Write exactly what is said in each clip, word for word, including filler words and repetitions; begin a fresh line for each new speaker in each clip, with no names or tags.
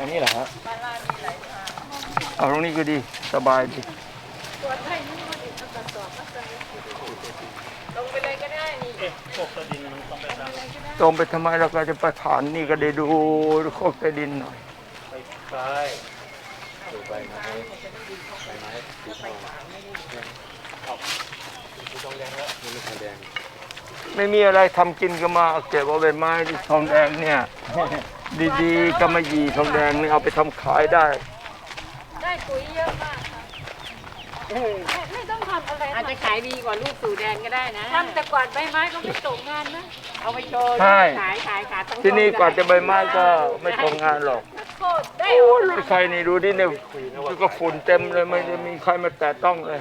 อันนี้เหรอฮะ
บ้านลาดมีหลายทาง
เอาตรงนี้ก็ดีสบายดี
ตัวไทยนี่มันอีกกระสอบก็จะลงไปเลยก็ได้นี่
พวกดินมันต้องไปตาม
ตรงไปทำไมเราก็จะไปผ่านนี่ก็ได้ดูโคกใต้ดินหน่อย
ไปซ้ายดูใบไม้ใบไม้สีทองเอาสีทองแดงแล้วมีทองแดง
ไม่มีอะไรทำกินก็มาเก็บเอาใบไม้ที่ทองแดงเนี่ยดีๆก็มาหยีทองแดงนี่เอาไปทำขายได้
ได้ปุ๋ยเยอะมากค่ะไม่ต้องทำอะไรอาจจะขายดีกว่าลูกสู่แดนก็ได้นะทำแต่กวาดใบไม้ก็ไม่ตกงานนะเอาไปโชว์ขายขายขาย
ที่นี่กวาดแต่ใบไม้ก็ไม่ตกงานหรอก
ได้
โอ้ยใครนี่ดูดิเนี่ยก็ฝุ่นเต็มเลยไม่จะมีใครมาแตะต้องเลย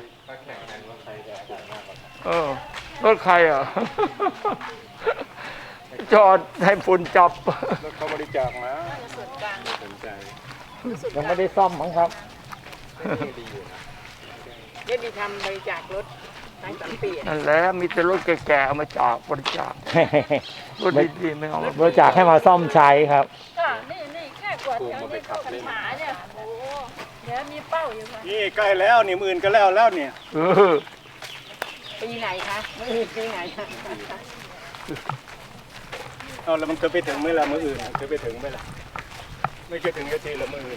เออรถใครอ่ะจอดให้ฝุ่นจับ
รถเขาบริจาคมา
ส่วนกลาง
สนใจ
ยังไม่ได้ซ่อมมั้งครับ
เดี๋ยวดีทำบริจาครถตั้งสามปี
นั่นแหละมีแต่รถแก่ๆเอามาจากบริจาครถดีๆไม่เอา
บริจาคให้มาซ่อมใช้ครับ
ก็นี่นี่แค่กวาดแถวนี้ก็ปัญหาเนี่ยโอ้เดี๋ยวมีเป้าอยู่ค่ะ
นี่ใกล้แล้วนี่มื่นก็แล้วแล้วเนี่ย
เออ
ปีไหนคะมื่อปีไหนคะ
เอาแล้วมันเคยไปถึงไหมล่ะมืออื่นเคยไปถึงไหมล่ะไม่เคยถึงทีละมืออื่น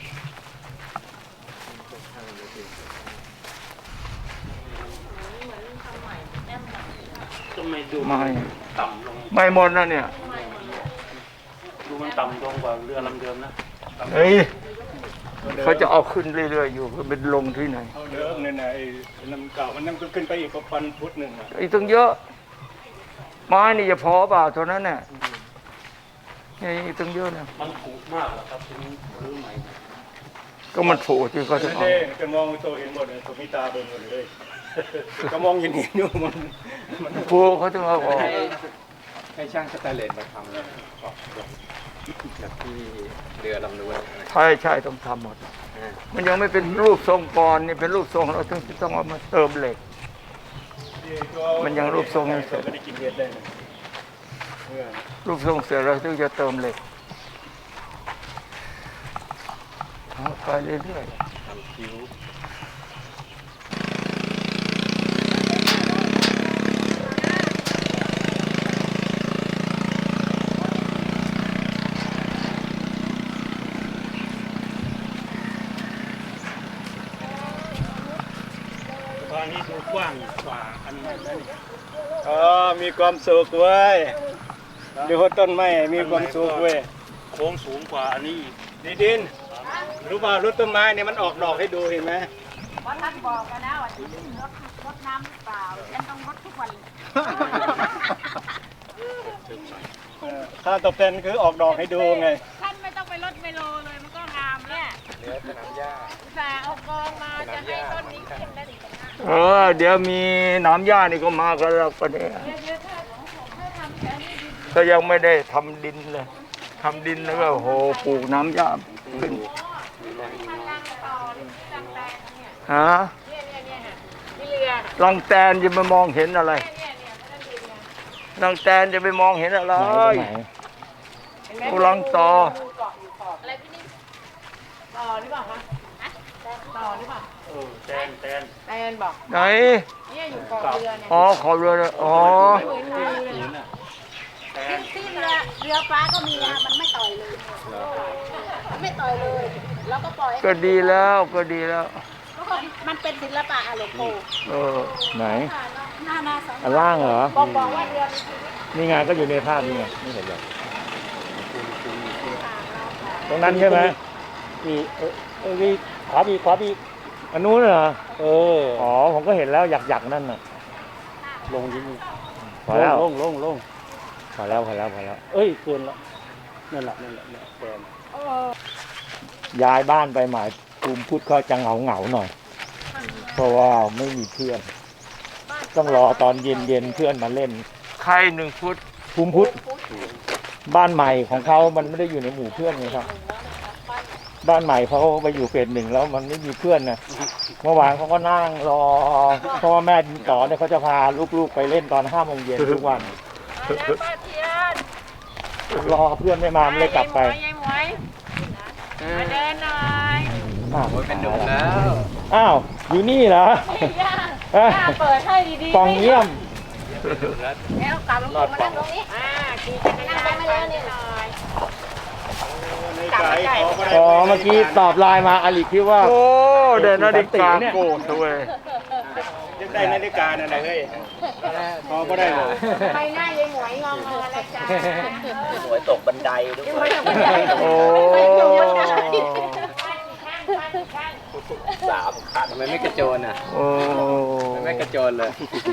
ทำไมดู
ไม่
ต่ำลง
ไม่หมดนะเนี่ย
ดูมันต่ำลงกว่าเรือลำเดิมนะ
เฮ้ยเขาจะเอาขึ้นเรื่อยๆอยู่เป็นลงที่ไหน
เอาเดิมเนี่ยนะไอ้ลำเก่ามันนั่งก็ขึ้นไปอีกประมาณฟุตหนึ่งอ่ะ
ไอ้ตั้งเยอะไม้นี่จะพอเปล่าเท่านั้นเนี่ยนี่ตั้งเยอะนะ
มันผุมากแล้วครับทีนี้รื้อใหม่
ก็มันผุที่เขาจะเอา
จะมองตัวเห็นหมดเลยตัวมีตาเบิ่งหมดเลยก็มองเห็นเห็นอยู่มัน
ผุเขาต้องเอาออก
ให้ช่างสแตนเลสมาทำแบบที่เรือลำนู้น
ใช่ใช่ต้องทำหมดมันยังไม่เป็นรูปทรงก่อนนี่เป็นรูปทรงเราต้องต้องเอามาเติมเหล็กมันยังรูปทรงไม่เสร็จรูปทรงเสร็จเราต้องจะเติมเหล็กไปเรื่อยๆ
ทำคิ้วอันนี้ดูกว้างกว่าอันนั้นนี่อ๋อมีความสุขเว้ยดูต้นไม้มีความสุขเว้ยโค้งสูงกว่าอันนี้ดีดินรู้ป่าวรถต้นไม้เนี่ยมันออกดอกให้ดูเห็นไหม
เพราะท่านบอกกันนะว่าที่รดรดน้ำหรือเปล่าฉันต้องรดทุกวัน
ค่าตอบแทนคือออกดอกให้ดูไง
ท่านไม่ต้องไปรดเมโลเลยมันก็งามเนี่ย
เนื้อสนามหญ้า
แต่เอากองมาจะให้ต้นนี้ขึ้นได้ดี
เออเดี๋ยวมีน้ำหญ้านี่ก็มากันแล้วก็เนี่ยก็ยังไม่ได้ทำดินเลยทำดินแล้วก็โหปลูกน้ำหญ้าขึ้นฮะลังแตนจะไปมองเห็นอะไรลังแตนจะไปมองเห็นอะไรกูลังต่อ
อะไรพี่นี่ต่อหรือเปล่าคะต่อหรือเปล่า
เออแตนแตน
แตนบอก
ไหน
เนี่ยอยู่เกาะเรือเนี่ย
อ๋อขอเรืออ๋อ
ที่เรือเรือฟ้าก็มีนะมันไม่ต่อยเลยไม่ต่อยเลยแล้วก็ปล่อย
ก็ดีแล้วก็ดีแล้ว
มันเป็นศิลปะอะหลวงปู่
เออ
ไหน
หน้าหน้าสอง
อันล่างเหรอ
บอกบอกว่าเรือ
นี่ไงก็อยู่ในภาพนี่ไงไม่เห็นหรอกตรงนั้นใช่ไหมมีเออเออมีขวาบีขวาบีอันนู้นเหรอเอออ๋อผมก็เห็นแล้วหยักหยักนั่นน่ะ
ลงยิ่ง
พอแล้ว
ลงลงลง
พอแล้วพอแล้วพอแล้ว
เอ้ยเกินละนั่นแหละนั่นแหละแฟน
ย้ายบ้านไปหมายภูมิพุทธเขาจะเหงาเหงาหน่อยเพราะว่าไม่มีเพื่อนต้องรอตอนเย็นเย็นเพื่อนมาเล่น
ใครหนึ่งพุทธ
ภูมิพุทธบ้านใหม่ของเขามันไม่ได้อยู่ในหมู่เพื่อนไงครับบ้านใหม่เขาไปอยู่เฟสหนึ่งแล้วมันไม่มีเพื่อนนะเมื่อวานเขาก็นั่งรอเพราะว่าแม่ดินต่อเนี่ยเขาจะพาลูกๆไปเล่นตอนห้าโมงเย็นทุกวันรอเพื่อนไม่มาเลยกลับไป
มาเดินหน่อย
อ้าว
เป็นหนุ่มแล้ว
อ้าวอยู่นี่เหรอ
ย่า
เอ้ย
ย่าเปิดให้ดีๆ
ปองเยี่ยม
แล้วกลับมานั่งตรงนี้อ่าขี่จักรยานมาเลยนี่หน่อย
ในใจขอบ่ได้
อ๋อเมื่อกี้ตอบไลน์มาอลิคิดว่า
โอ้เดินนาฬิกาโกนด้วย
ยังได้นาฬิกานั่นแหละเฮ้ยขอบ่ได้เลย
ใบหน้ายายหมวยงองเงอแล้วจ้า
หวยตกบันไดด้วย
ยังไม่ต้องไป
โอ้
สามคันทำไมไม่กระโจนอ่ะ
โอ้
ทำไมไม่กระโจนเลย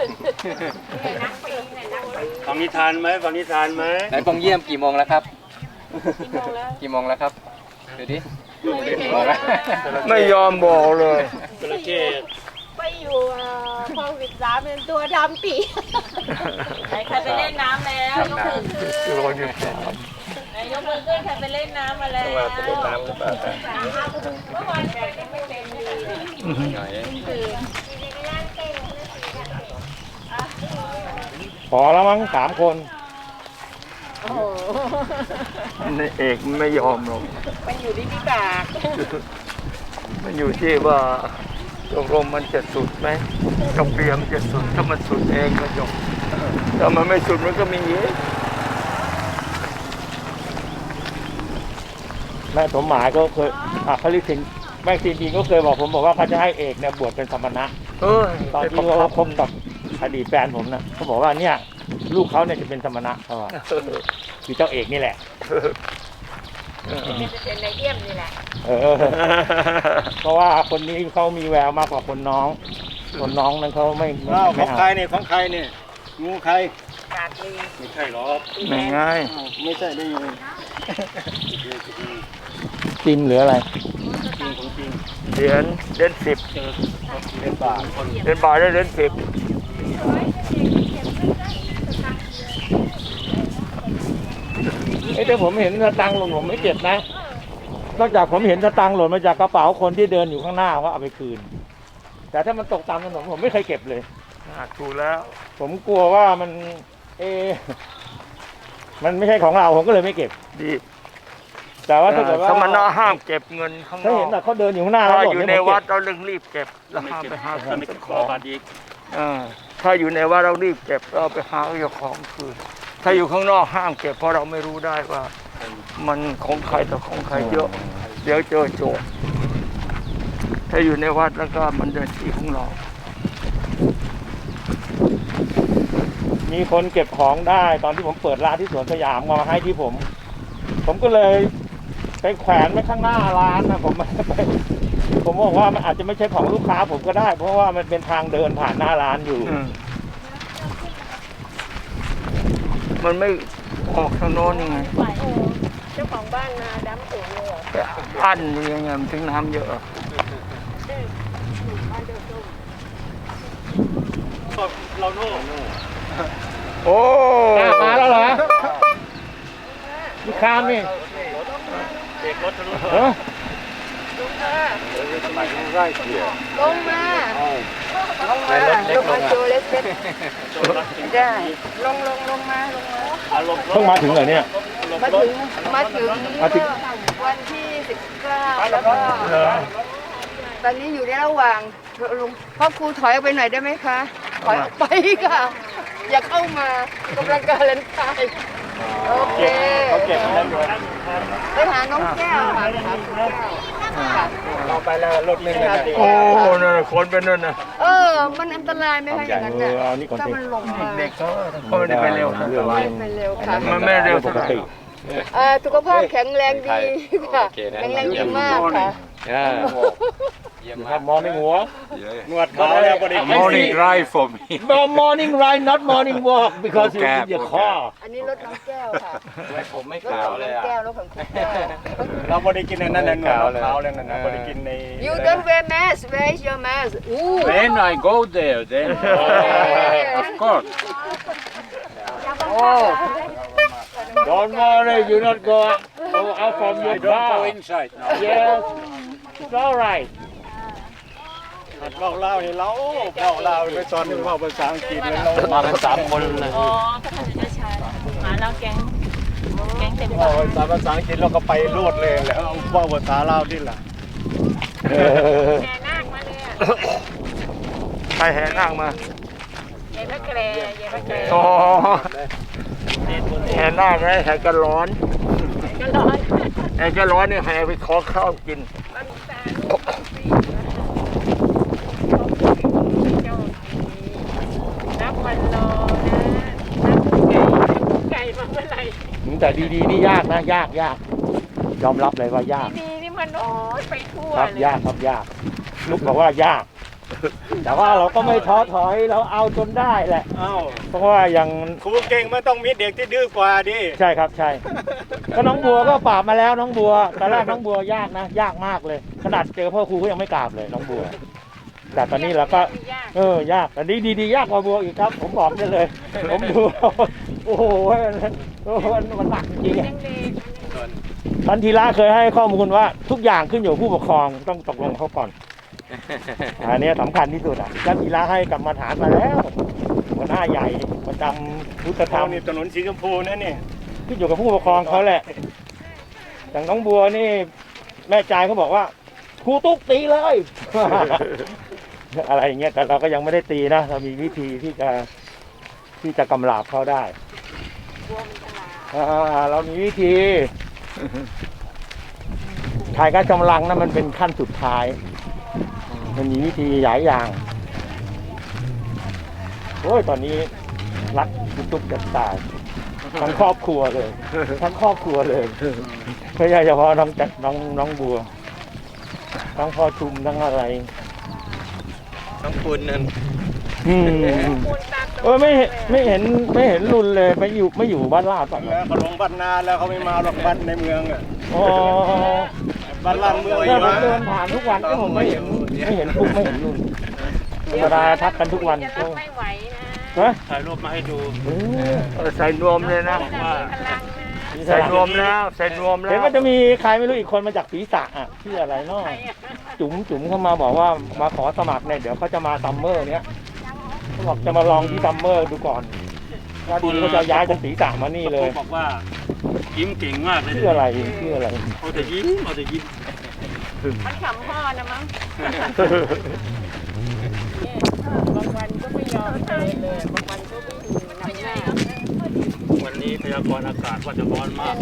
ฟังนิทานไหมฟังนิทานไหม
ไหนปองเยี่ยมกี่โมงแล้วครับ กี่โมงแล้วครับดูดิกี่โมงแล้ว
ไม่ยอมบอกเลย
จระเข้
ไปอยู่คลองสิบสามเป็นตัวดำปีใครไปเล่นน้ำแล้วยกมือขึ้น
โลอยู่สาม
ไหนยกมือขึ้นใครไปเล่นน้ำมาแล้ว
ว่าจะเล่นน้ำหรือเปล่า
เมื่อวานแกยังไม่เต็มดี
หน่อย
ขอแล้วมั้งสามคน
โอ้โห
นี่เอกไม่ยอมหรอก
มันอยู่ที่พิบาก
มันอยู่ที่ว่าตกลงมันจะสุดไหมกระเปียมจะสุดถ้ามันสุดเองก็จบถ้ามันไม่สุดมันก็มีเยอะ
แม่สมหมายก็เคยอ่ะเขาเรียกสินแม่สินดีก็เคยบอกผมบอกว่าเขาจะให้เอกเนี่ยบวชเป็นสมณะ
เอ้ย
ตอนที่เขาคบกับอดีตแฟนผมนะเขาบอกว่าเนี่ยลูกเขาเนี่ยจะเป็นสมณะเขาว่าคือเจ้าเอกนี่แหละ
เป็นในเยี่ยมนี่แหละ
เออ เพราะว่าคนนี้เขามีแววมากกว่าคนน้อง คนน้องนั้นเขาไม่ไม่
อ้าวข
ไม่
อง
เอา
ใครเนี่ยของใครเนี่ยงูใคร
กาดลี
ไม่ใช่หรอก
ไม่ง่าย
อ้าวไม่ใช่ได้ยังไง
จิมหรืออะไร
จริงของจริง
เหรียญเหรียญสิบ
เจอเป็นบาท
เหรียญบาทได้เหรียญสิบ
เอ้ยแต่ผมเห็นสตังค์หล่นผมไม่เก็บนะ นอกจากผมเห็นสตังค์หล่นมาจากกระเป๋าคนที่เดินอยู่ข้างหน้าว่าเอาไปคืน แต่ถ้ามันตกตามถนนผมไม่เคยเก็บเลย
อ่ะถูกแล้ว
ผมกลัวว่ามัน เอะมันไม่ใช่ของเราผมก็เลยไม่เก็บ
ดี
แต่ว่าถ้าเกิดว่า
สมณะห้ามเก็บเงินข้างน
ถ้า
อ
เห็น
ก
แต่เขาเดินอยู่ข้างหน้าแล้ว
ถ้า
หล่
อยู่
เย
ใน
ผมเก็บ
วัดเราเร่งรีบเก็บแล้วห้ามไปหา
ถ้าไม่
เจ้า
ข
ข
อ
อง
บาทอีก
อ่าถ้าอยู่ในวัดเรารีบเก็บเราไปหาเจ้าของคืนถ้าอยู่ข้างนอกห้ามเก็บเพราะเราไม่รู้ได้ว่า มันของใครต่อของใครเยอะ เดี๋ยวเจอโจรถ้าอยู่ในวัดแล้วก็มันเดินที่ของเรา
มีคนเก็บของได้ตอนที่ผมเปิดร้านที่สวนสยามมาให้ที่ผม ผมก็เลยไปแขวนไว้ข้างหน้าร้านนะผมไม่ได้ไปผมบอกว่ามันอาจจะไม่ใช่ของลูกค้าผมก็ได้ เพราะว่ามันเป็นทางเดินผ่านหน้าร้านอยู่
อืมมันไม่ออกทางโน้นยังไง
เจ้าของบ้านนาดำสวนเลยเหรอ
ไปอั้นอยู่ยังไงมันถึงน้ำเยอะ
เราโน่
โอ้
อ่ะมาแล้วเหรอมีคามนี่
เด็กรถทะลุ
เออ
ลงมาลงมาลงมาโจเลสเซ็ตได้ลงลงลงมาลงมา
อารมณ์ร
เพิ่
ถ
งมาถึงเหรอเนี่ย
มาถึงมาถึง
มาถึง
วันที่สิบเก้าแล้วก็ตอนนี้อยู่ในระหว่างลุงพ่อครูถอยออกไปหน่อยได้ไหมคะถอยออกไปค่ะ อย่าเข้ามากำลังการเล่นไฟโอเค
เขาเก็บมาแล้วอยู่
ไปหาน้องแก้วค่ะไปหาน้องแก้วค่ะ
เราไปแล้วรถไม่ได้
โอ้นั่นน่ะคนเป็นนั่นนะ
เออ มันอันตรายไหมคะอย่างนั้น
เอ
น่ะ
อเอานี่ก่อน
ถ้า
สิ
มันลงมา
เด็กเขาเขาไม่ได้ไปเร็วนะ
ไม่ไปเร็วค่ะ
มันไม่เร็ว
ปกติ
เอ่อสุขภาพแข็งแรงดีค่ะแข็งแรงดีมากค่ะ
ครับมอร์นิ่งหัว
นวดขาวแล้วบริกิน
Morning drive for me.
morning ride not morning walk because you need your car
อันนี้รถน้องแก้วค่ะ
ผมไม่
รถ
ขาว
ของ
เล
น้
ย
อง
อ่ะ
แก้วรถของคุณแก้ว
เราบริกินในนั้นนะนวดขาวแล้วนั่นนะบริกินใน
You don't wear mask where is your mask อู้
When I go there, then of course.
oh don't worry you not go go out from your
I don't
car
go inside now.
yes it's all right
หัดเล่าเล่าให้เราเล่าเล่าไปสอนหนึ่งว่าภาษาอังกฤษเลยเรา
มากันสามคนเลย
อ๋อถ้าท่านจะใช้หมาแล้วแก๊ง
แกงเต็ม
ว่าภาษาภาษาอังกฤษเราก็ไปโลดเลยแล้วว่าภาษาลาวที่ล่ะ
แห่นาคมาเลยอ่ะ
ใครแห่นาคมา
เย็นพระแกรเย็นพระแกร
อ๋อแห่นาคไงแห่กระร้อน
ก็ร้อน
แห่กระร้อนเนี่ยแห่ไปขอข้าวกิน
บางตาลูกบางปีนับวันรอนะนับไก่ไก่มาเมื่อไหร่
แต่ดีๆนี่ยากนะยากยากยอมรับเลยว่ายาก
ดีๆนี่มันโอ้ยไปทั่ว
ครับ
เลย
ยากครับยากลูกบอกว่ายาก แต่ว่าเราก็ไม่ท้อถอยเราเอาจนได้แหละ
เอ้า
เพราะว่าอย่าง
ครูเก่งมันต้องมีเด็กที่ดื้อกว่าดิ
ใช่ครับใช่ก็น้องบัวก็ปราบมาแล้วน้องบัวตอนแรกน้องบัวยากนะ ยากมากเลย ขนาดเจอพ่อครูก็ยังไม่กราบเลยน้องบัว แต่ตอนนี้เราก็ เออยากแต่นี้ดีๆยากกว่าบัวอีกครับ ผมบอกได้เลย ผมดูโอ้โหโอ้โหมันหนักจริง
ยังเด็ก
ท่านธีระเคยให้ข้อมูลว่าทุกอย่างขึ้นอยู่กับผู้ปกครองต้องตกลงเขาก่อน อันนี้สำคัญที่สุดอ่ะท่านธีระให้กรรมฐานมาแล้วหัวหน้าใหญ่ประจำพุทธธร
เท่าร
ม
นี่ถนนสีชมพูนะนี่
ขึ้นอยู่กับผู้ปกครองเขาแหละอย่างน้องบัวนี่แม่ใจายเขาบอกว่าครูตุ๊กตีเลย อะไรอย่างเงี้ยแต่เราก็ยังไม่ได้ตีนะเรามีวิธีที่จะที่จะกำราบเขาได้อ่าเรามีวิธีชายกากำลังนะมันเป็นขั้นสุดท้าย มันมีวิธีหลายอย่างโอ้ยตอนนี้รักคุณตุ๊กจะตายทั้งครอบครัวเลย ทั้งครอบครัวเลยไม่ใช่เฉพาะน้องจัดน้องน้องบัวทั้งพ่อชุมทั้งอะไร
ต้องคุณนั่น
อืม
คูณตาม
เออไม่เห็นไม่เห็นไม่เห็นรุนเลยไม่อยู่ไม่อยู่บ้านลาดป่ะ
แล้วเขาลงบ้านนาแล้วเขาไม่มาหรอกบ้านในเมืองอ่ะ
อ๋อ
บ้านลาดเมือง
ถ้าผม
มา
เดินผ่านทุกวันก็ผมไม่เห็นไม่เห็นปุ๊กไม่เห็นรุนธรรมดาทักกันทุกวัน
จะรับไม่ไหวนะ
ฮะ
ถ่ายรูปมาให้ดู
เออ
เออใส่นวมเลยนะ
มีพลังนะ
ใส่นวมแล้วใส่นวมแล้
เห็น
ว
ว่าจะมีใครไม่รู้อีกคนมาจากศรีสะอ่ะชื่ออะไรเนาะจุ๋มจุ๋มเข้ามาบอกว่ามาขอสมัครเนี่ยเดี๋ยวเขาจะมาซัมเมอร์เนี้ยเขาบอกจะมาลองที่ซัมเมอร์ดูก่อนว่าดีเขาจะย้ายจากศรีสะมานี่เลย
บอกว่ายิ้มเก่งมากเลย
ชื่ออะไรชื่ออะไร
เอาแต่ยิ้มเอาแต่ยิ้ม
มันขำพ่อนะมั้งบางวันก็ไม่ยอมเดินเลยบางวันก็ไม่อยู่นำหน้า
วันนี้พยากรณ์อากาศว่าจะร้อนมาก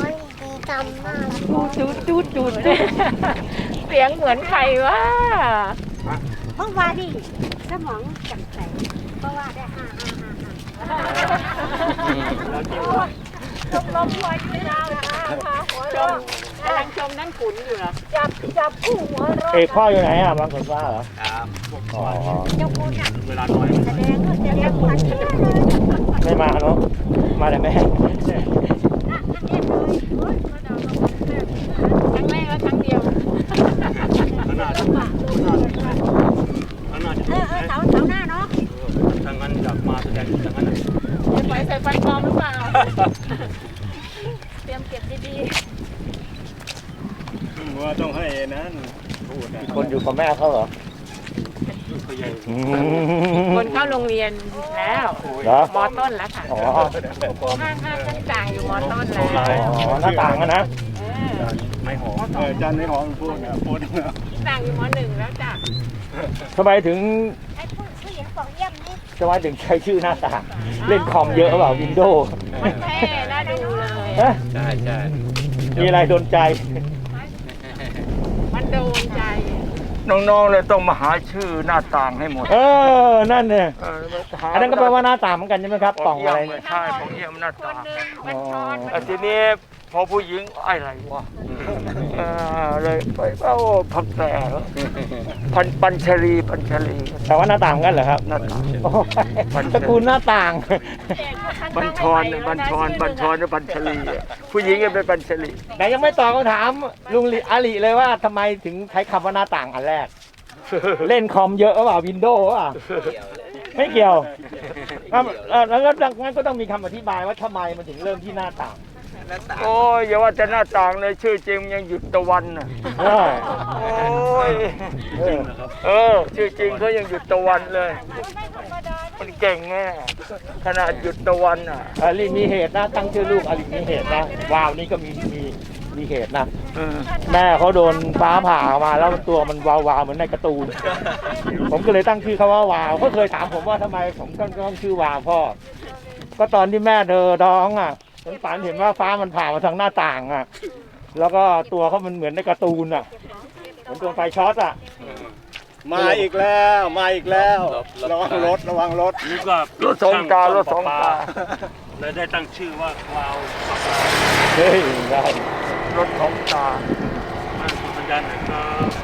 จูดจูดจูดเสียงเหมือนใครวะ
เพราะว่าดิสมองจังใสเพราะว่าได้ห้าห้าห้าห้า
ชมลมหัวอยู่ยาวนะค่ะหัวลมกำลังชมนั่งขุนอยู่เหรอ
จับจับผู้หัวเรอ
เอกพ่ออยู่ไหนอ่ะบางคนว่าเหรอ
ครับ
อ๋อ
เจ้าคุณอ่ะ
เวลาน้อย
แสดงว่าจะเรียกพันเชื่อเลย
ไม่มาเนาะมาแต่แม่
ครั้งแรกและครั้งเดียว
ขนาดขนาดขนาดจะ
เออเออเสาเสาหน้าเนาะ
ทางนั้นอยากมาแสดงทางนั้น
จะไปใส่ฟันปลอมหรือเปล่า เตรียมเก็บดี
ว่าต้องให้นั้นพูดนะ
คนอยู่กับแม่เขาเหรอ
เขาใหญ่
อื
ๆ
ม
คนเข้าโรงเรียนแล้ว
เหรอ
มอต้นแล้วค่ะ
อ๋อ
ห้างห้างชั้นกลางอยู่มอต้นแล้ว
อ๋อหน้าต่างอะนะ
เออ
ไม่หอมเออจานไม่หอมพูดนะพูดนะ
ต่างอยู่มอหนึ่งแล้วจ้ะ
ทำไมถึง
ไอ้ผู้ผู้หญิงบอกเยี่ยมนี่
ทำไมถึงใช้ชื่อหน้าต่าง เล่นคอมเยอะเปล่าวินโดว์
มันเท่น่าดูเลย
ฮะ
ใช่ใช่
มีอะไรโดนใจ
มันโดนใจ
น้องๆเลยต้องมาหาชื่อหน้าต่างให้หมด
เออ นั่นเนี่ย
เออหา
อันนั้นก็แปลว่าหน้าต่างเหมือนกันใช่ไหมครับ
ป
ป
ล่
ล่
อ
อง ง
อะ
อะไร ไร
เนี่
เนี่ย ย
ใช่ของเยี่ยมหน้า
ค
ต่าน ง
หนึ่งมันช้อน
แต่ทีนี้พอผู้หญิงอะไรวะเออเลยไปเอ้าพักแต่พันปัญชลีปัญชลี
แต่ว่าหน้าต่างเหมือนกันเหรอครับ
หน้าต่าง
โอ้ยตระกูลหน้าต่าง
บัญชรเนี่ยบัญชรบัญชรเนี่ยบัญชลีอะผู้หญิงก็เป็นบัญชลี
แต่ยังไม่ตอบคำถามลุงลิอาลีเลยว่าทำไมถึงใช้คำว่าหน้าต่างอันแรก เล่นคอมเยอะหรือเปล่าวินโดว์หรือเปล่าไม่เกี่ยวอ่ะเอ่อแล้วก็งั้นก็ต้องมีคำอธิบายว่าทำไมมันถึงเริ่มที่หน้าต่าง
โอ้ยอย่าว่าแต่หน้าต่างเลยชื่อจริงยังหยุดตะวันน่ะ
เออ
โอ้ย
เออ
เออชื่อจริงเขายังหยุดตะวันเลย
ไม่ธรรมดานะ
มันเก่งแน่ขนาดหยุดตะวันอ่ะ
อลิมีเหตุนะตั้งชื่อลูกอลิมีเหตุนะวาวนี่ก็มีมีมีเหตุนะ
เออ
แม่เขาโดนฟ้าผ่ามาแล้วตัวมันวาวๆเหมือนในการ์ตูน ผมก็เลยตั้งชื่อเขาว่าวาวเขาเคยถามผมว่าทำไมผมต้องต้องชื่อวาวพ่อ ก็ตอนที่แม่เธอท้องอ่ะฉันฝันเห็นว่าฟ้ามันผ่ามาทางหน้าต่างอ่ะ แล้วก็ตัวเขามันเหมือนในการ์ตูนอ่ะเหมือนตัวไฟช็อตอ่ะ
มาอีกแล้วมาอีกแล้วระวังรถระวังรถ
นี่ก็
รถสองตารถสองตา
เลยได้ตั้งชื่อว่าวาวปลาปลา
เฮ้ยได้
รถสองตา
บ้านคุณปัญญาหน่อยครับ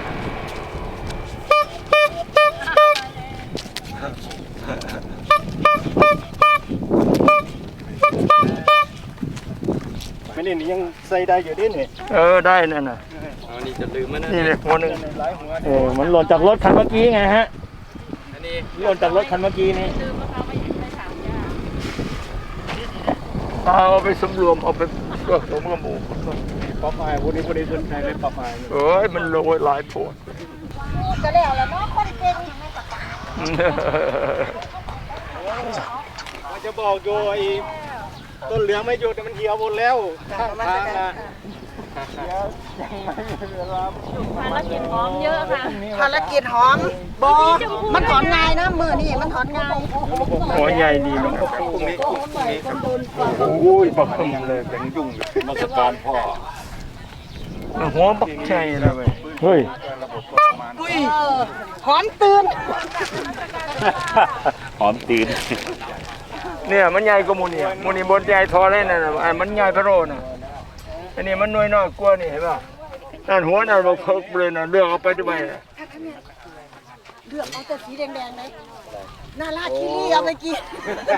ไม่นี่ยังใส่ได้อยู่ดินี่
เออได้นั่นน่ะ
อ๋อนี่จะลืมมันนะ
นี่เลยหัวหนึ่ง
หลายหัว
เออมันหล่นจากรถคันเมื่อกี้ไงฮะ
อันนี้
หล่นจากรถคันเมื่อกี้นี้
เอาไปสำรวมเอาไปผสมกับหมู
ป๊อปอายวันนี้วันนี้คนไทยเลยป๊อปอาย
เอ้ยมันโรยหลายโพด
ก็แล้วแล้วเนาะคนเก่งยังไม่ประกาศ
มันจะบอกโยไอ้ต้นเหลืองไม่หยุดมันเหี่ยวหมดแล้วข้างทางนะเดี๋ยวยังไม่มีเวลา
ภารกิจหอมเยอะค่ะ
ภารกิจหอมบอมันถอนง่ายนะมือนี่มันถอนง่าย
หัวใหญ่ดีนะ
พรุ่งนี้พรุ่งนี้ครับ
โอ้ยบักขึ้นเลย
เป็นยุ่งมาสการพ่อ
หัวบักใหญ่เลยเว้ย
เฮ้ย
เออหอมตื่น
หอมตีน
เนี่ยมันใหญ่กว่าหมูนี่หมูนี่บนใหญ่ทอเลยน่ะอันมันใหญ่พะโรน่ะอันนี้มันน้อยน้อยกว่านี่เห็นป่ะนั่นหัวนั่นเราเพิกเลยน่ะเลือกเอาไปทำไมน่ะ
เลือกเอาแต่สีแดงๆเลยนาราคิรีเอาไปกิน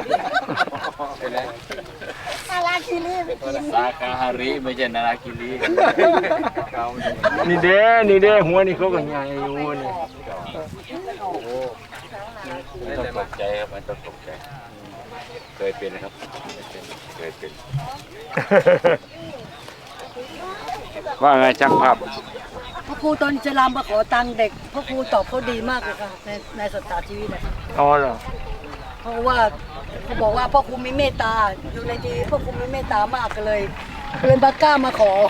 นาราคิรีไปกิน
สาคาฮาริไม่ใช่นาราคิรีเขา
นี่เด้นี่เด้หัวนี่เขาก็ใหญ่อยู่นี่
ไม่ต้องตกใจครับไม่ต้องตกใจเคยเป็นนะครับเคยเป็น
ว่าไงช่างภาพ
พ่อครูตอนจะรำมาขอตังค์เด็กพ่อครูตอบเขาดีมากเลยค่ะในในสตาร์ชีวิตนะคะ
อ๋อเหรอ
เพราะว่าเขาบอกว่าพ่อครูมีเมตตาอยู่ในทีพ่อครูมีเมตตามากก็เลยเลยบากล้ามาขอ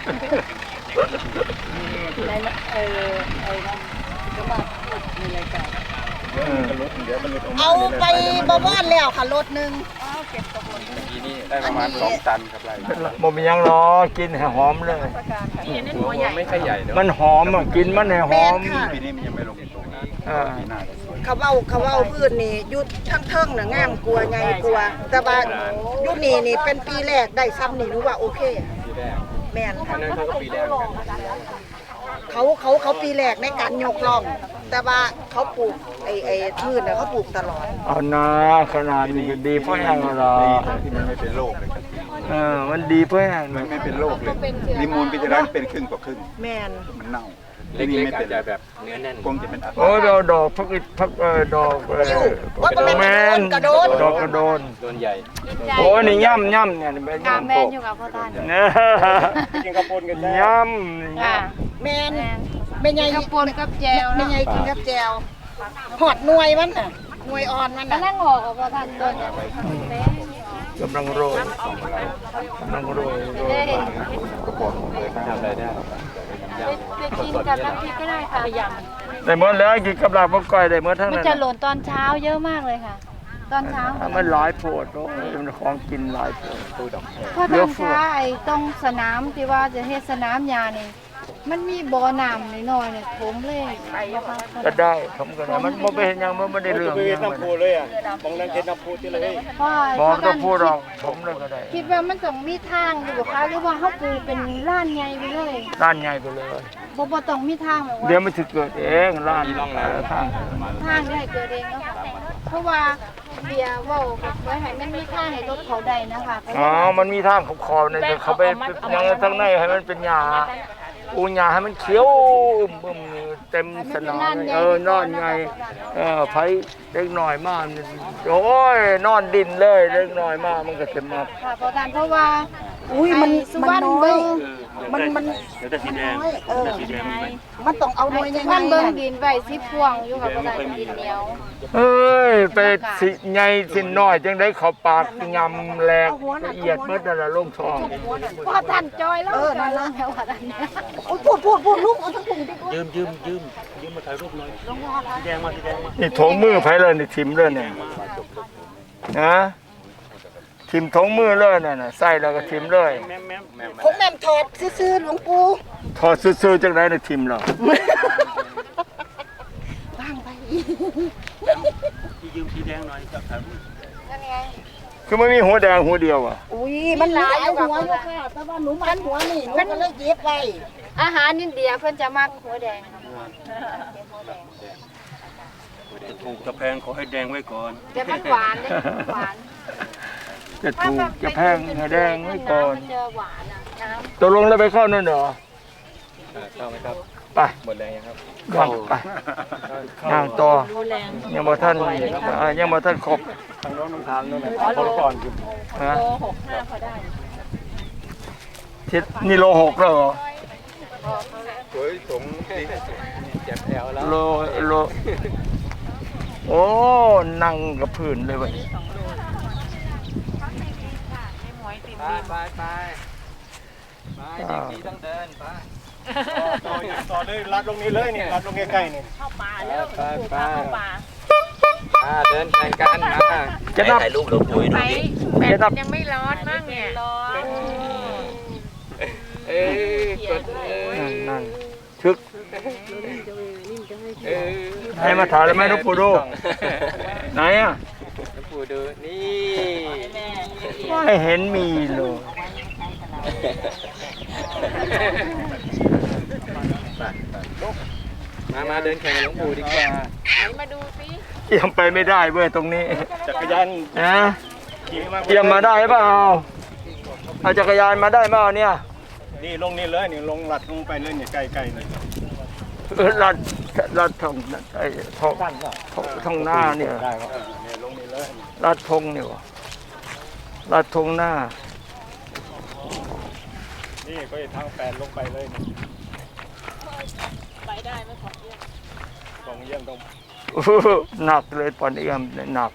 ในเออไอ้นะก็มาในรายการ
เอาไปบวรแล้วค่ะรถหนึ่ง
ทีนี้ได้ประมาณสองตันครับไร
บ่มีหยังหรอกินให้หอมเลย
หัวไม่ค่อยใหญ่เนาะ
มันหอมอ่ะกินมันให้หอม
ปีนี้มันยังไม่ลงตรงนี้
อ่า
ปีหน้า
เขาเว้าเขาเว้าพืชนี่ยุดทั้งเทิงน่ะงามกลัวไงกลัว แต่ว่ายุดนี่นี่เป็นปีแรกได้ซ้ำนี่รู้ว่าโอเค
ปีแรก
แม่น
อันนั้นเขาก็ปีแรกเหมือนกัน
เขาเขาเขาปีแรกในการยกล่อง แต่ว่าเขาปลูกไอ้ไอ้พืชน่ะเขาปลูกตลอด
เอานาขนาดนี้ก็ดีเพราะอย่างไร
ที่มันไม่เป็นโรคเลยครับ
เออมันดีเพราะอย่าง
มันไม่เป็นโรคเลยลิมูลปีที่แล้วเป็นครึ่งต่อครึ่ง
แม่น
มันเน่าเล็กๆอาจจะแบบเนื้อแน่นคงจะเป็นอัต
โอ้ยเราดอกพักอิดพักเออดอกเออ
ว่าเป็น
แมน
กระโดด
ดอกกระโดน
โดนใหญ่
โอ้ยนี่ย่ำย่ำเนี่ยเป็น
กา
ย่ำ
แม
โป
น
ก
อยู่กับพ่อท่าน
เนี่ย
กินข้าวปนกันได้
ย่
ค่ะ
แม่นแม่ใหญ่
ข้าวปนกับแจว
แม่
เนาะ
ใหญ่กินกับแจวหอดหน่วยมันน่ะหน่วยอ่อนมัน
ก็
น่ะ
นั่งออกกับพ่อท่านต้นเนี่ย
ำกำลังโรยกำลังโรยโรย
ทำอะไรได้
ไปกินกับน้ำพริกก็ได้ค่ะย
ได้หมดแล้วกินกับลาบกับก้อยได้หมดทั้ง
ำมัน
นั้น
จะหล่นตอนเช้าเยอะมากเลยค่ะ ตอนเช้า
มันหลายโพดโอ้ยมันของกินหลายโพด
พ่อท่านคะไอ้ตรงสนามที่ว่าจะเฮ็ดสนามยานี่มันมีบ่อน้ำน้อยๆเนี่ยผมเลยไปบ่ค่ะ
ก็ได้ผมก็ได้มันบ่ไปเห็นหยังมันไม่ได้เรื่อง
ไป
หยัง
น้ำพูเลยอ่ะมองนั่งเก็ดน้ำพูที่เลย
พ่อ
บอกต้
ท่า
อน งพูดหรอกผมเลยก็ได้
คิดว่ามันต้องมีทางอยู่บ่คะหรือว่าเฮาปลูกเป็นล้านใหญ่ไปเลย
ด้านใหญ่ไปเลย
บ่บ่ต้องมีทางแบบว่า
เดี๋ยวมันจะเกิดเองร้านทาง
ทางได้เกิดเองเนาะค่ะเพราะว่าเบียร์เว่ากับไว้ให้มันมีทางให้รถเขาได้นะคะ
อ๋อมันมีทางขอบคอเนี่ยแต่เขาไปยังทั้งในให้มันเป็นหญ้าปูหญ้าให้มันเขียวบึ้มเต็มสนามเลยเออนอนไงเออไผเล็กหน่อยมากโอ้ยนอนดินเลยเล็กหน่อยมากมันก็จะมา
ค่ะเพราะการเพราะว่า
อุ้ยมัน
ไอ้สุ
มัน
วรรณ
น้อ
เบิ่
ย
ง
มันมัน
เดี๋ยวแต่สีแดง
น้อยเออ
แต่สีแดงมีไหม
มันต้องเอาหน่วยยังไง
มันเบิ่ง
น่ะ
ดินไว้สิพวงอยู่กับภาษาดินเหนียว
เอ้ยไปสิใหญ่สิน้อยจังได้เข้าปากยำแหลกละเอียดเบิดนั่นล่ะลงท้อง
พอท่านจอยแล้ว
เออนั่นละ
แล้วว่าท่านเนี่ย
โอ้ยพูดพูดพูดลุกเอาทั้งถุงดิ
ยืมยืมยืมยืมมาถ่ายรูปหน่อยสีแดงมาสีแดงมา
นี่ถงมือไผเลยนี่ทิมเลยเนี่ยนะทิมถงมือเลยน่ะน่ะใส่แล้วก็ทิมเลย
แม่มแม่มแม่ม
ผมแม่มถอดซื่อๆหลวงปู่
ถอดซื่อๆจังได๋น่ะทิมแล้ว
บ้างไป
ที่ยืมสีแดงหน่อยจับถ่ายรูป
นั่นไง
คือมันมีหัวแดงหัวเดียวอ่ะ
อุ้ยมันหลายหัวอยู่ค่ะแต่ว่าหนูมันหัวนี่หนูก็เลยเย็บไว้
อาหารอินเดียเพิ่นจะมักหัวแดงครับ
ถูกจะแพงขอให้แดงไว้ก่อน
แต่มันหวานเด้หวาน
จะถูกจะแพงให้แดงไว้ก่อน
มันจะหวานอ่ะน้ำ
ตกลงแล้วไปเข้านั่นเหรอ
เข้าไหมครับ
ไป
หมดแรงยังครับ
เข้าไปนั่งต่อยังบ่ท่านอ่ายังบ่ท่านครบ
ทางโน้นทางทางโน้นนะขอก่อนคือ
ฮะทิศนี่โลหกแล้วเหรอ
สวยสมเจ็บแอวแล้ว
โลโลโอ้นั่งกับพื้นเลยเว้ย
ไปไปไปไปเด็กดีต้องเดินไป
ต่อต่อเลยรัดลงนี้เลยนี่รัดลงใกล้ๆนี่
ไปไปไปอ่าเดินแข่งกันมา
จะนับ
ถ่ายรูปหลวงปู่ให้ดูดิ
จะนับ
ยังไม่ร้อนมากเนี่ยร้อน
เอ้ยกดเอ้
นั่
ย
นนั่นชึก
เอ้ย
ให้มาถ่ายเลยไหมหลวงปู่ดู ไหนอ่ะ
หลวงปู่ดูนี่
ไม่เห็นมีเลย
มามาเดินแข่งกับหลวงปู่ดีกว่า
มาดูสิ
เกี่ยมไปไม่ได้เว้ยตรงนี้
จักรยาน
นะ
ขี่มา
เกี่ยมมาได้เปล่าเอาจักรยานมาได้เปล่าเนี่ย
นี่ลงนี่เลยนี่ลงลัดลงไปเลยนี่ใกล้ๆนี่
เออลัดลัดทองไอ้ทองทองหน้าเนี่ย
ได้ครับนี่ลงนี่เลย
ลัดทงเนี่ยวะลัดทงหน้า
นี่ก็ทางแปดลงไปเลยนี่
ไปได้ไหมของเยี่ยม
ตรงเยี่ยมตรง
อื้อหนักเลยปอนเอี่ยมเนี่ยหนัก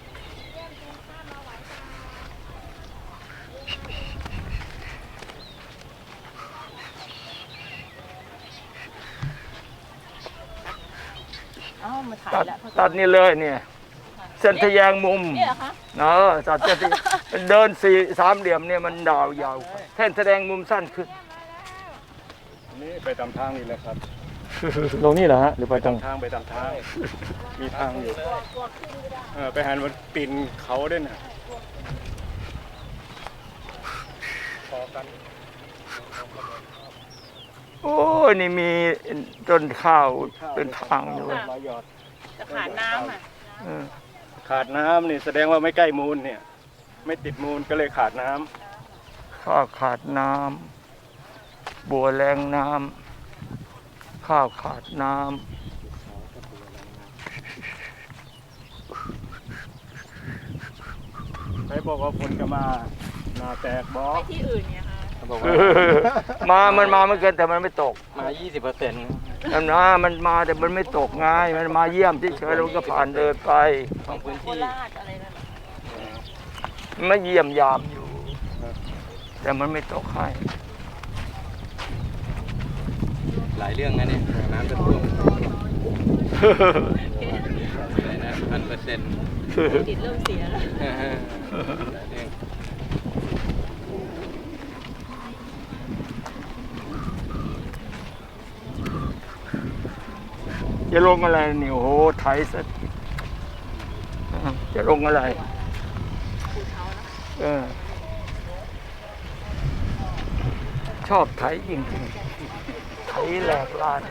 อ้าวมาถ่าย
ตัด
แล้ว
ตัดนี่เลยเนี่ยเส้นทะแยงมุม
เนี่ยเหรอคะ
เออตัดเส้นทะเดินสี่สามเหลี่ยมเนี่ยมันดาวยาวเส้นแสดงมุมสั้นขึ้น
นี่ไปตามทางนี่แหละครับ
ลงนี่เหรอฮะหรือไปตรง
ทางไปตามทางมีทางอยู่เออไปหันมันปีนเขาด้วยนะพอกัน
โอ้ยนี่มีต้นข้าวเป็นทางอยู่
ร้อยยอด
จะขาดน้ำอ่ะ
เออ
ขาดน้ำนี่แสดงว่าไม่ใกล้มูลเนี่ย ไม่ติดมูลก็เลยขาดน้ำ
ข้าวขาดน้ำบัวแรงน้ำข้าวขาดน้
ใครบอกว่าฝนจะมาหนาแตกบอก
ที่อื่นเนี่ยค่ะ
เขาบอก
ำ
ว่า
มามันมาไม่เกินแต่มันไม่ตก
มา ยี่สิบเปอร์เซ็นต์
นั่นนะมันมาแต่มันไม่ตกไงมันมาเยี่ยมเฉยๆแล้วมันก็ผ่านเดินไป
ของพื้น
โค
ที่
ราชอะไรนั่น
มันมาเยี่ยมยามอยู่ แต่มันไม่ตกให้
หลายเรื่องนะเนี่ยน้ำจะท่วมอะไรนะพันเปอร์เซ็นต์
ติดเริ่มเสียแล้ว
หลายเรื่อง
จะลงอะไรนี่โอ้โหไถสัตว์จะลงอะไรเออชอบไถจริงๆไถแหลกลาน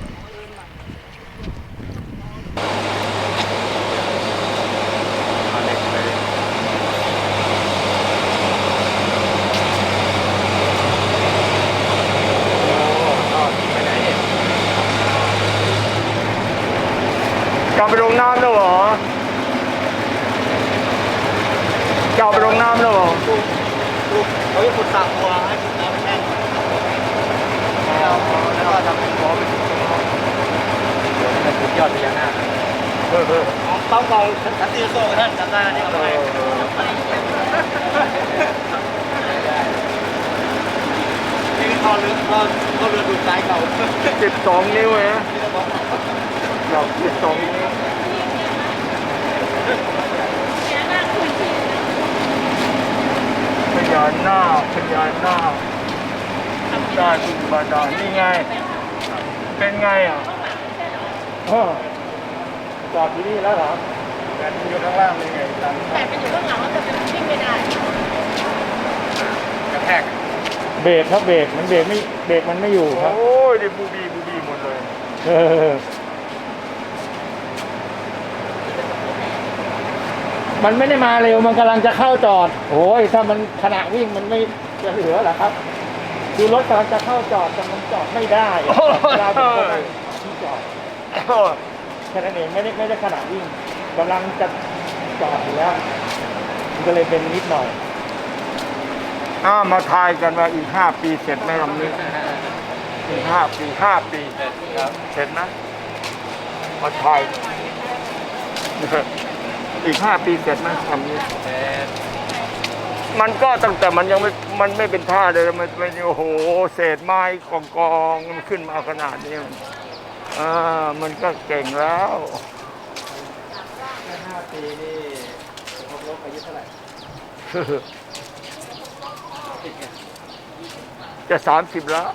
กลับไปลงน้ำแล้วเหรอกลับไปลงน้ำแล้วเหรอ
เขาจะขุดสระบัวให้ขุดน้ำแห้ง
แล้วก็ทำเป็นโค้งเป็นสุดยอดพญานาค
เออเออ
เป้าเก่าทันทีโซ่ท่านจำได้นี่เอาไปนี่เขาเรือเขาเขาเรือดูใจเก่า
สิบสองนิ้วเองเราสิบสองนิ้วพญานาคพญานาคได้บุญบาดาลนี่ไง เป็นไงอ่ะอ้อจอดที่นี่แล้วเหรอ
แต่อยู่ข้างล่างเป็นไงจัน
แต่ไปอยู่ข้างหลังแล้วจะเป็นวิ่งไม่ได้
กระแทก
เบรกครับเบรกมันเบรกไม่เบรกมันไม่อยู่ครับ
โอ้ยดิบูบีบูบีหมดเลย
เออมันไม่ได้มาเร็วมันกำลังจะเข้าจอดโอ้ยถ้ามันขณะวิ่งมันไม่จะเหลือเหรอครับคือรถกำลังจะเข้าจอดแต่มันจอดไม่ได้เวลาผมเข้าไปที่จอดแค่นั้นเองไม่ได้ไม่ได้ขณะวิ่งกำลังจะจอดอยู่แล้วมันก็เลยเป็นนิดหน่อย
อ้ามาทายกันว่าอีกห้าปีเสร็จไหมลำนี้อีกห้าปีห้าปี
ครับ
เสร็จไหมมาทายอีกห้าปีเสร็จไหมลำนี้
แต่
มันก็ตั้งแต่มันยังไม่มันไม่เป็นท่าเลยมันไม่โอ้โหเศษไม้กองกองๆมันขึ้นมาขนาดนี้มันอ่ามันก็เก่งแล้ว
ห้าปีนี่ครบรอบอายุเท่าไหร่
จะสามสิบแล้ว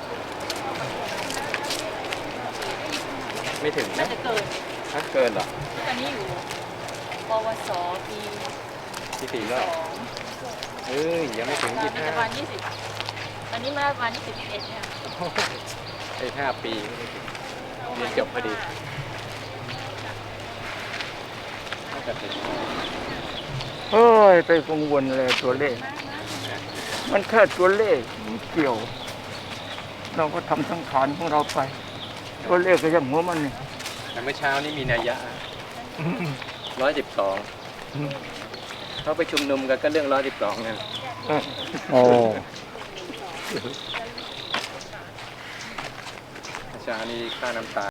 ไม่ถึง
น่า
นะ
จะเกิน
ถ้าเกินเหรอ
ตอนนี้อยู่ปวสปี
ที่สี่
ส
รอบ
อง
เอ้ยยังไม่ถึงยี่สิบ
ป
ห้า
ระมาณยี่สิบตอนนี้มาประมาณยี่สิบเอ็ดเนี่ย
ไอ้ห้าปีไม่ถึงเรียนจบพอดีน่าจะถึง
เฮ้ยไปกังวลเลยตัวเลข มันแค่ตัวเลขไม่เกี่ยว เราก็ทำสังขารของเราไป ตัวเลขก็ยังหัวมันนี่
แต่เมื่อเช้านี่มีนัยยะร้อยสิบสองเขาไปชุมนุมกันก็เรื่องร้อยสิบสองนั่น
โอ้
เมื่อเช้านี่ค่าน้ำตา